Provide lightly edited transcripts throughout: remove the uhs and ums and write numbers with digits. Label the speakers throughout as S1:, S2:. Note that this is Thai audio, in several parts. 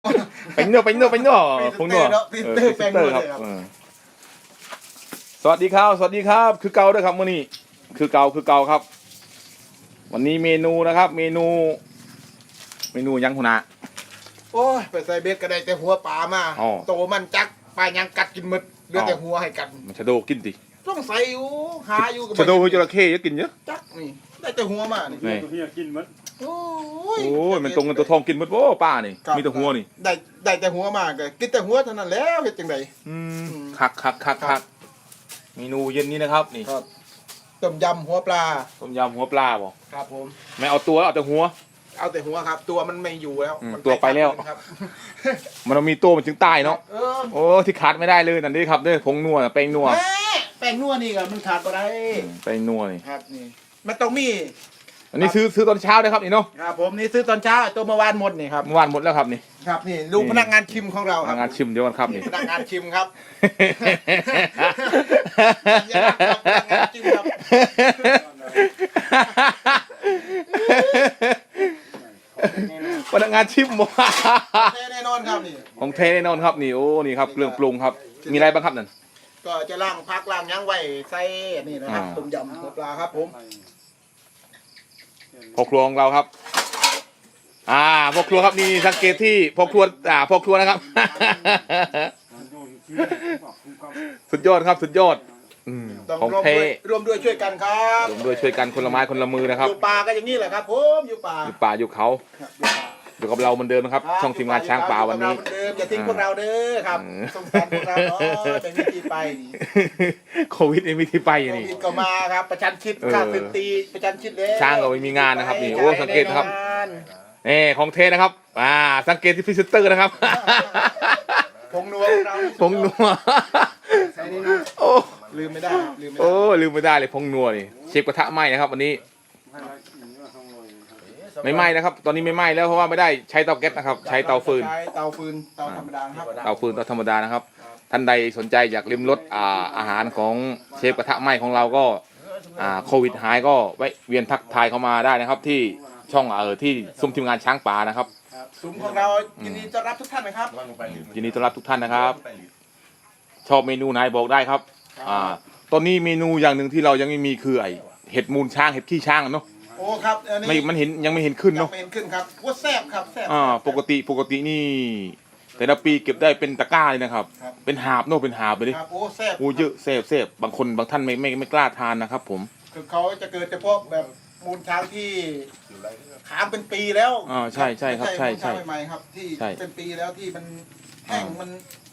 S1: เป็นเนื้อผงนัวพริตเตอร์ครับสวัสดีครับคือเก่าด้วยครับมื้อนี้คือเก่าครับวันนี้เมนูนะครับเมนูยังหัวหน้า
S2: โอ้ยไปใส่เบ็ดก็ได้แต่หัวปลามาโตมันจักปลายังกัดกินหมดเหลือแต่หัวให้กัน
S1: มันชะโดกินดิ
S2: ต้องใส่อยู่หาอยู่
S1: ชะโดคือจระเข้กินเยอะ
S2: จักนี่ได้แต่หัวมานี่
S3: ตัวเฮียกินมัน
S2: โอ้
S1: ยมันตรงกันตัวทองกินหมดโว้ป้านี่มีแต่หัวนี่
S2: ได้แต่หัวมาก็กินแต่หัวเท่านั้นแล้วเฮ็ดจังได
S1: คักเมนูเย็นนี้นะครับนี่
S2: ต้มยำหัวปลา
S1: บ่
S2: ครับผม
S1: ไม่เอาตัวเอาแต่หัว
S2: ครับตัวมันไม่อยู่แล้ว
S1: ตัวไปแล้วมันต้องมีตัวมันจึงตายเนาะโอ้ที่ขาดไม่ได้เลยนั่นนี่ครับผงนัวแป้งนัว
S2: นี่ก็มันขาดบ่ได้
S1: แป้งนัวนี่
S2: ครับนี่มันต้องมี
S1: อันนี้ซื้อตอนเช้าเลยครับนี่เนาะ
S2: ครับผมนี่ซื้อตอนเช้าตัวเมื่อวานหมดนี่ครับ
S1: เมื่อวานหมดแล้วครับนี่
S2: ครับนี่ลูกพนักงานชิมของเรา
S1: พนักงานชิมเดี๋ยวกันครับนี่
S2: พนักงานชิมครับ
S1: พนักงานชิมหมด
S2: แน่นอนครับนี่
S1: ของเทแน่นอนครับนี่โอ้นี่ครับเครื่องปรุงครับมีอะไรบ้างครับนั่น
S2: ก็จะล้างพักล้างยั้งไว้ใส่นี่นะครับต้มยำหัวปลาครับผม
S1: พ่อครัวของเราครับพ่อครัวครับนี่สังเกตที่พ่อครัวนะครับสุดยอดครับสุดยอดของเท
S2: รวมด้วยช่วยกันครับ
S1: รวมด้วยช่วยกันคนละไม้คนละมือนะครับ
S2: อยู่ป่าก็อย่างนี้แหละครับผมอยู่ป่า
S1: อยู่เขาอยู่กับเราเหมือนเดิมนะครับช่องทีมงานช้างป่าวันนี้
S2: อย่าทิ้งพวกเราเด้อครับสงสารพวกเราเนาะเป็นวิธีไป
S1: โควิดมีที่ไปนี่
S2: โควิดก็มาครับประชันชิดข้าศึกตีประชันชิดเลย
S1: ช้างก็ไม่มีงานนะครับนี่โอ้สังเกตครับของเทนะครับสังเกตที่พรีเซนเตอร์นะครับ
S2: ผงนัว
S1: โอ้
S2: ลืมไม่ได้
S1: ลืมไม่ได้เลยผงนัวนี่เชฟกระทะไหม้นะครับวันนี้ไม่ไหม้นะครับตอนนี้ไม่ไหม้แล้วเพราะว่าไม่ได้ใช้เตาแก๊สนะครับใช้เตาฟืน
S2: เตาธรรมดาครับ
S1: เตาธรรมดานะครับท่านใดสนใจอยากลิ้มรสอาหารของเชฟกระทะไหม้ของเราก็โควิดหายก็แวะเวียนทักทายเข้ามาได้นะครับที่ช่องที่ซุ้มทีมงานช้างป่านะครับ
S2: ซุ้มของเรายินดีต้อนรับทุกท่านนะครับ
S1: ยินดีต้อนรับทุกท่านนะครับชอบเมนูไหนบอกได้ครับตอนนี้เมนูอย่างหนึ่งที่เรายังไม่มีคือเห็ดมูลช้างเห็ดขี้ช้างเนาะ
S2: โอ้ครับ
S1: มันยังไม่เห็นขึ้นเนาะ
S2: ไม่เห็นขึ้นครับว่าแซ่บครับแซ่บ
S1: ปกตินี่แต่ละปีเก็บได้เป็นตะกร้าเลยนะครับเป็นหาบเนาะเป็นหาบไปดิ
S2: โอ้แซ่บ
S1: โอ้เยอะแซ่บบางท่านไม่กล้าทานนะครับผม
S2: คือเขาจะเกิดเฉพาะแบบมูลช้างที่ขามเป็นปีแล้ว
S1: ใช่ครับใช่
S2: ใหม่ครับที่เป็นปีแล้วที่มันแห้งมัน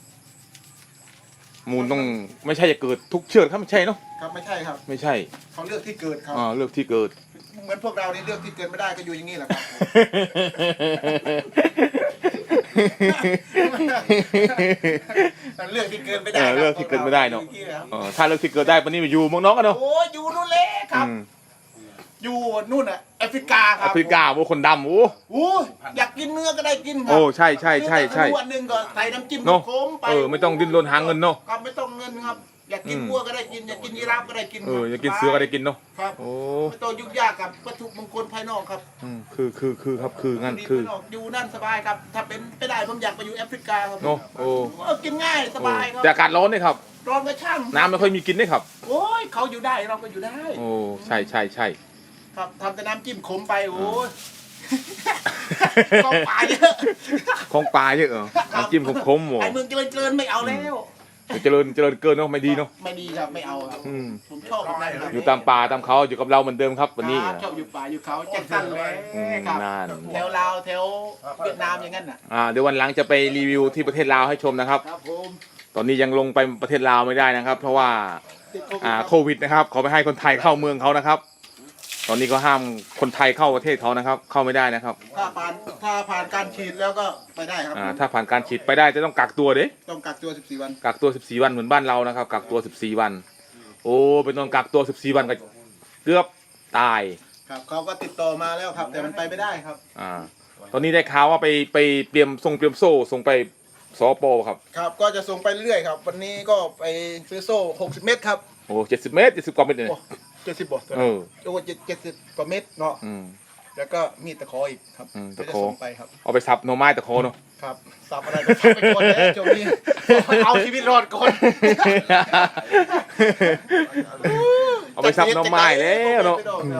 S1: มูลต้องไม่ใช่จะเกิดทุกเชือกครับไม่ใช่เนาะ
S2: ครับไม่ใช่ครับ
S1: ไม่ใช่
S2: เขาเลือกที่เกิดครับ
S1: เลือกที่เกิด
S2: เหมือนพวกเรานี่เลือกที่เกิดไม่ได้ก็อยู่อย่างนี้แหละครับเลือกที่เกิดไม่ได้
S1: เลือกที่เกิดไม่ได้เนาะถ้าเลือกที่เกิดได้วันนี้ไปอยู่เมืองน้องกันเนาะ
S2: โอ้อยู่นู่นเลยครับอยู่นู่นอ่ะแอฟริกาครับ
S1: แอฟริกาโว้คนดำ
S2: โอ้อยากกินเนื้อก็ได้กินครับ
S1: โอ้ใช่
S2: วันหนึ่งก็ใส่น้ำจิ้มโค้งไป
S1: ไม่ต้องดิ้นรนหาเงินเนาะ
S2: ครับไม่ต้องเงินครับอยากกินวัวก็ได้กินอยากกินยีราฟก็ได้กิน
S1: อยากกินเสือก็ได้กินเนาะ
S2: ครับโอ้ไม่ต้องยุ่งยากกับวัตถุมงคลภายนอกครับ
S1: คือครับคืองั้นคือ
S2: อยู่นั่นสบายครับถ้าเป็นไม่ได้ผมอยากไปอยู่แอฟริกาครับ
S1: เนาะโอ้
S2: กินง่ายสบายครับ
S1: แต่อากาศร้อนนี่ครับ
S2: ร้อนก็ช่าง
S1: น้ำไม่ค่อยมีกินนี่ครับ
S2: โอ้ยเขาอยู่ได้เราก็อยู่ได้
S1: โอ้ใช่
S2: ครับทำแต่น้ำจิ้มขมไปโอ้ยของปลาเยอะ
S1: น้ำจิ้มขมๆหมด
S2: ไอ้เมืองเจริญไม่เอาแล้ว
S1: เจริญเกินเนาะไม่ดีเนาะ
S2: ไม่ดีครับไม่เอาครับผมชอบ
S1: อยู่ตามป่าตามเขาอยู่กับเราเหมือนเดิมครับวันนี้
S2: ชอบอยู่ป่าอยู่เขาแจ็คสันเลยครับแถวลาวแถวเวียดนามอย่างนั้น
S1: เดี๋ยววันหลังจะไปรีวิวที่ประเทศลาวให้ชมนะครับตอนนี้ยังลงไปประเทศลาวไม่ได้นะครับ เพราะว่าโควิดนะครับขอไปให้คนไทยเข้าเมืองเขานะครับตอนนี้ก็ห้ามคนไทยเข้าประเทศเขานะครับเข้าไม่ได้นะครับ
S2: ถ้าผ่านการฉีดแล้วก็ไปได้ครับ
S1: ถ้าผ่านการฉีดไปได้จะต้องกักตัว
S2: ต้องกักตัว14วัน
S1: กักตัว14วันเหมือนบ้านเรานะครับกักตัว14วันโอ้เป็นต้องกักตัว14วันก็เกือบตาย
S2: ครับเขาก็ติดต่อมาแล้วครับแต่มันไปไม่ได้ครับ
S1: ตอนนี้ได้ข่าวว่าไปเตรียมโซ่ส่งไปสปปครับ
S2: ครับก็จะส่งไปเรื่อยครับวันนี้ก็ไปซื้อโซ่60 เมตรครับ
S1: โอ้70 เมตร70 กว่าเมตรเลย
S2: 70 บ่โอ้70 กว่าเมตรเนาะแล้วก็มีตะขออีกครับ
S1: ตะขอไปครับเอาไปสับหน่อไม้ตะขอเนาะ
S2: คครับสับอะไรก็สับไปก่อนเลยช่วงนี้เอาชีวิตรอดก่อน
S1: เอาไปซับหน้ำไม้แล้วเนาะ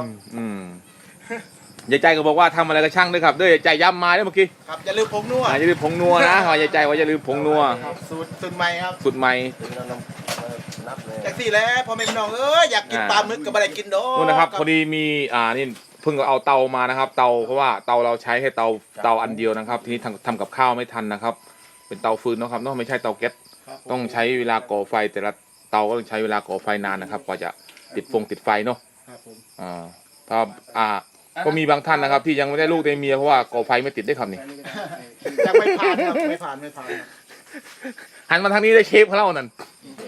S1: ยายใจก็บอกว่าทำอะไรก็ช่างด้วยครับเด้อยายใจย้ำมาด้วยเมื่อกี้
S2: ครับอย่าลืมผงนัว
S1: อย่าลืมผงนัวนะยายใจว่าอย่าลืมผงนัว
S2: ครับสูตรใหม่ครับ
S1: สุดใหม่
S2: จากสี่แล้วพอแม่พี่น้องอยากกินปลาหมึกกับอะไรกินโด
S1: นู่นนะครับพอดีมีนี่เพิ่งเอาเตามานะครับ เตาเพราะว่าเตาเราใช้แค่เตาอันเดียวนะครับ ทีนี้ทำกับข้าวไม่ทันนะครับ เป็นเตาฟืนนะครับเนาะไม่ใช่เตาแก๊สต้องใช้เวลาก่อไฟแต่ละเตาก็ต้องใช้เวลาก่อไฟนานนะครับกว่าจะติดไฟเนาะ
S2: ครับผม
S1: ถ้าก็มีบางท่านนะครับ ที่ยังไม่ได้ลูกได้เมียเพราะว่าก่อไฟไม่ติดได้ครับนี่
S2: ยังไม่ผ่านครับไม่ผ่านครับ
S1: หันมาทางนี้ได้เชฟเขาเล่านั่น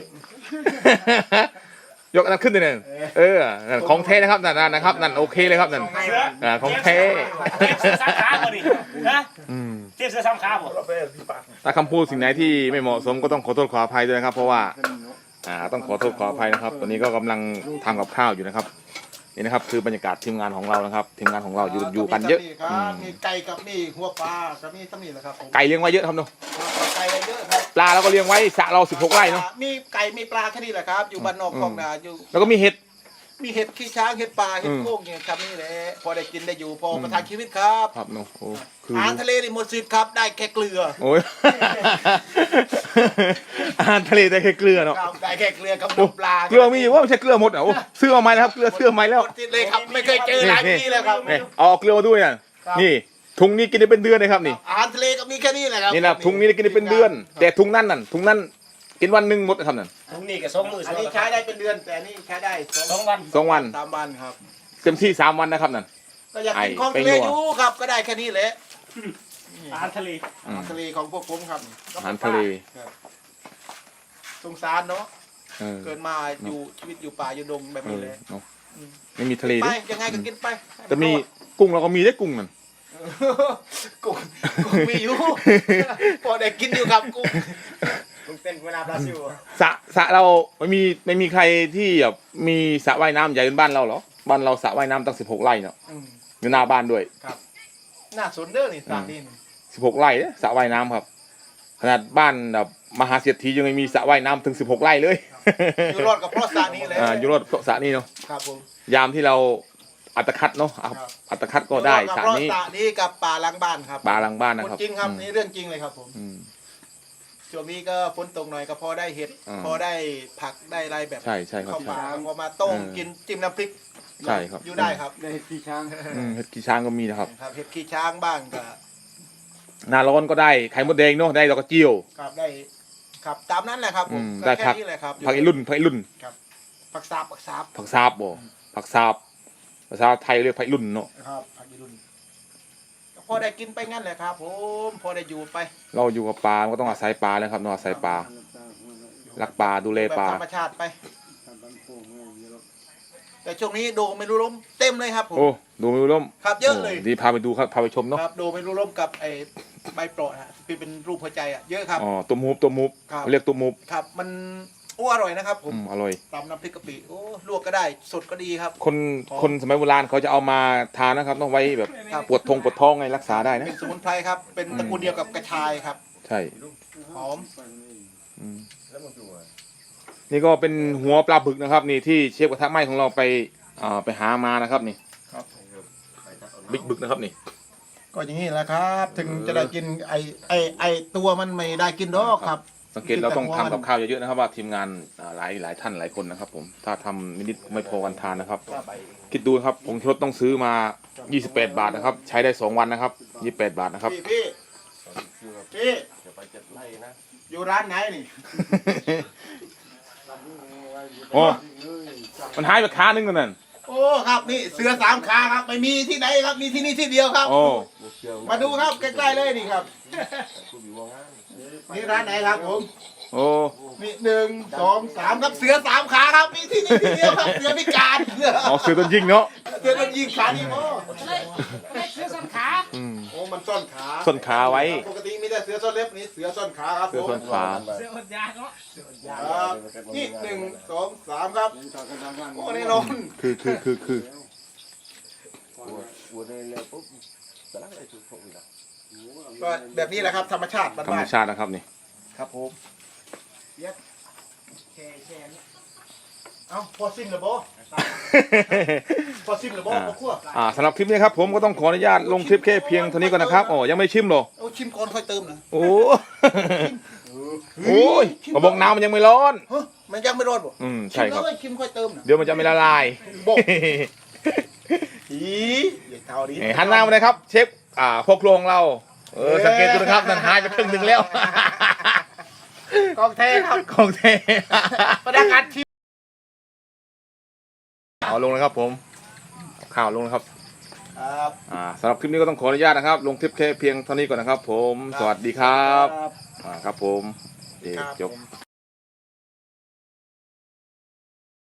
S1: ยกอันนั้นขึ้นเลยนั่นนั่นของแท้นะครับนั่นนะครับนั่นโอเคเลยครับนั่นของแท้
S3: เทียบเสื้อสามขาบ่ดินะเทียบเสื้อสามขาบ่
S1: ถ้าคำพูดสิ่งไหนที่ไม่เหมาะสมก็ต้องขอโทษขออภัยด้วยนะครับ เพราะว่าต้องขอโทษขออภัยนะครับ ตอนนี้ก็กำลังทำกับข้าวอยู่นะครับนี่นะครับคือบรรยากาศทีมงานของเรานะครับทีมงานของเราอยู่กันเยอะ
S2: มีไก่กับมีหัวปลากับมีตั้งนี่แหละครับ
S1: ไก่เลี้ยงไว้เยอะครับเนาะ
S2: ไก่เยอะครับ
S1: ปลาเราก็เลี้ยงไว้สระเรา16 ไร่เนาะ
S2: มีไก่มีปลาแค่นี้แหละครับ อยู่บ้านนอกคลองนาอยู่
S1: แล้วก็มีเห็ด
S2: มีเห็ดขี้ช้างเห็ดปลาเห็ดโค้งเนี่ยครับนี่แหละพอได้กินได้อยู่พอประทังชีวิตครับ
S1: ครับเนาะโอ้คือ
S2: อาหารทะเลนี่หมดสิทธิ์ครับได้แค่เกลือ
S1: โอ้ย อาหารทะเลได้แค่เกลือเนาะ
S2: ครับได้แค่เกลือกับ
S1: โอ้
S2: น้ำปลา
S1: เกลือมีอยู่ว่าไม่ใช่เกลือหมดอ่ะโอ้เสื้อเอาไหมนะครับเกลือเสื้อไหมแล้ว
S2: หมดสิทธิ์เลยครับไม่เคยเจอหลายปีแล้วครับ
S1: นี่เอาเกลือมาด้วยน่ะ
S2: ครับ
S1: นี่ถุงนี้กินได้เป็นเดือนเลยครับนี่
S2: อาหารทะเลก็มีแค่นี้แหละครับ
S1: นี่นะถุงนี้ได้กินได้เป็นเดือน แต่ถุงนั้นกินวันหนึ่งหมดนะครับนั่น
S3: ตรงนี้ก็สองมือ
S2: อันนี้ใช้ได้เป็นเดือนแต่อันนี้ใช้ได้
S3: สองวัน
S1: 2 วัน
S2: 3 วันครับ
S1: เต็มที่3 วันนะครับนั่น
S2: ก็อยากกินของทะเลอยู่ครับก็ได้แค่นี้แหละ
S3: อาหารทะเล
S2: อาหารทะเลของพวกผมครับ
S1: อาหารทะเล
S2: ครับสงสารเนาะ
S1: เออ
S2: เกิดมาอยู่ชีวิตอยู่ป่าอยู่ดงแบบนี้เลย
S1: เนาะไม่มีทะเล
S2: ไป
S1: ด้วย
S2: ยังไงก็กินไป
S1: แต่มีกุ้งเราก็มีได้กุ้งนั่น
S2: กุ้งมีอยู่ พอได้กินอยู่ครับกุ้ง
S3: มึงเป็นเวลาบราซิล
S1: สระเราไม่มีใครที่แบบมีสระว่ายน้ำใหญ่เป็นบ้านเราหรอบ้านเราสระว่ายน้ำตั้ง16 ไร่เนาะ
S2: อืม
S1: อยู่หน้าบ้านด้วย
S2: ครับน่าสนเด้อนี่สานี่
S1: 16 ไร่เนี่ยสระว่ายน้ำครับ ขนาดบ้านแบบมหาเศรษฐียังไม่มีสระว่ายน้ำถึง16 ไร่เลย
S2: อยู่รอดกับเพราะสานี่เลย
S1: อยู่รอดเพราะสระนี้เนาะ
S2: ครับผม
S1: ยามที่เราอัตคัดเนาะอัตคัดก็ได้สระนี้
S2: เพราะสานี่กับป่าหลังบ้านครับ
S1: ปลาหลังบ้านนะครับ
S2: จริงครับนี่เรื่องจริงเลยครับผม
S1: อืม
S2: ช่วงนี้ก็ฝนตกหน่อยก็พอได้เห็ด
S1: อ่า
S2: พอได้ผักได้อะไรแบบ
S1: ใช่ครับ
S2: เข้า
S1: ใช่
S2: ป่าพอมาต้ม
S1: เออ
S2: กินจิ้มน้ำพริก
S1: ใช่ครับ
S2: อยู่ได้ครับ
S3: ได้ที่ช้าง
S1: เห็ดขี้ช้างก็มีนะครับ
S2: ครับเห็ดขี้ช้างบ้างก็
S1: หน้าร้อนก็ได้ไข่มดแดงเนาะได้ดอกกระเจียว
S2: ครับได้ครับตามนั้นแหละครับผม
S1: ได้
S2: ก็
S1: ผั
S2: แค่
S1: ก
S2: นี้แหละครับ
S1: ผักไอ้รุ่น
S2: ผักสาบ
S1: ผักซาบบ่ผักซาบภาษาไทยเรียกผักไอ้รุ่นเนาะ
S2: ครับผักอีรุ่นก็พอได้กินไปงั้นแหละครับผมพอได้อยู่ไป
S1: เราอยู่กับปลาก็ต้องอาศัยปลาแล้วครับเนาะอาศัยปลารักปลาดูแล
S2: แบบ
S1: ปลา
S2: ธรรมชาติไป แต่ช่วงนี้โดไม่รู้ล้มเต็มเลยครับผม
S1: โอ้ดูไม่รู้ล้ม
S2: ครับเยอะเลย
S1: ดีพาไปดูครับพาไปชมเนาะ
S2: ครับโดไม่รู้ล้มกับไอ้ใบโปรดฮะที่เป็นรูปหัวใจอ่ะเยอะครับ
S1: อ๋อตัวมูฟ
S2: ครับ
S1: เขาเรียกตัวมูฟ
S2: ครับมันอร่อยนะครับผม
S1: อร่อย
S2: ตำน้ำพริกกะปิโอ้ลวกก็ได้สดก็ดีครับ
S1: คนสมัยโบราณเขาจะเอามาทานนะครับต้องไว้แบบ
S2: ครับ
S1: ปวดท้องไงรักษาได้นะ
S2: เป็นสมุนไพรครับเป็นตระกูลเดียวกับกระชายครับ
S1: ใช่
S2: หอม
S1: อืมนี่ก็เป็นหัวปลาบึกนะครับ นี่ที่เชฟกระทะไหม้ของเราไปหามานะครับนี่
S2: ครับ
S1: บิ๊กบึกนะครับนี่
S2: ก็อย่างนี้แหละครับ ถึงจะได้กินไอตัวมันไม่ได้กินดอกครับ
S1: สังเกตเราต้องทำกับข้าวเยอะๆนะครับว่าทีมงานหลายท่านหลายคนนะครับ ผมถ้าทำนิดๆไม่พอกันทานนะครับ คิดดูครับผงชูรสต้องซื้อมา28 บาทนะครับ ใช้ได้2 วันนะครับ28 บาทนะครับ
S2: พี่อยู่ร้านไหนนี่
S1: โอ้มันหายไปขานึงกันนั่น
S2: โอ้ครับนี่เสือ3 ขาครับไม่มีที่ไหนครับมีที่นี่ที่เดียวครับ
S1: โอ้
S2: มาดูครับใกล้ๆเลยนี่ครับนี่ร้านไหนครับผม
S1: โอ้
S2: นี่1 2 3ครับเสือ3 ขาครับมีที่นี่ที่เดียวครับเสือพิการ
S1: เอาเสือต้นยิงเนาะ
S2: เสือมันยิงขานี่โอ้
S3: เสื้อส้นขา
S2: โอ้มันซ่อนขา
S1: ส้นขาไว้
S2: ปกติมีแต่เสือซ่อนเล็บนี่เสือซ่อนขาครับ
S1: เสือ
S2: ผม
S1: ส้นขา
S3: เสื้ออดยาเนาะ
S2: ครับนี่1 2 3ครับโอ้แน่นอน
S1: คือ
S4: Buồn này là cũng sẽ lắc lại chụp phụng rồi.
S2: ก็แบบนี้แหละครับธรรมชาติ
S1: ธรร
S2: บ้าม น
S1: ชาตินะครับนี่
S2: ๆครับผมเย็ดแช่นี่เอ้าพอสิ้นแล้วบ่พอสิ้นแล้วบ่พอคั่ว
S1: สำหรับคลิปนี้ครับผมก็ต้องขออนุญาตลงคลิปแค่เพียงเท่านี้ก่อนนะครับอ๋อยังไม่ชิมหรอ
S2: เอาชิมก่อนค่อยเติมนะ
S1: โอ้โอ้ยกระบอกน้ำมันยังไม่ร้อน
S2: ฮะมันยังไม่ร้อนบ่
S1: ใช่ครับ
S2: ชิมแล้วชิมค่อยเติมนะ
S1: เดี๋ยวมันจะไม่ละลาย
S2: บอก อีอย่าเท่านี้
S1: หันหน้ามาเลยครับเชฟพวกครัวของเราสังเกตดูนะครับนั่นหายไปครึ่งหนึ่งแล้ว
S2: กองเทครับ
S1: ของเท
S2: พนักงานชิม
S1: เอาลงนะครับผมข่าวลงนะครับ
S2: ครับ
S1: สำหรับคลิปนี้ก็ต้องขออนุญาตนะครับ ลงคลิปแค่เพียงเท่านี้ก่อนนะครับ ผมสวัสดีครับ ครับผม
S2: ครับ
S1: จบ
S2: ผม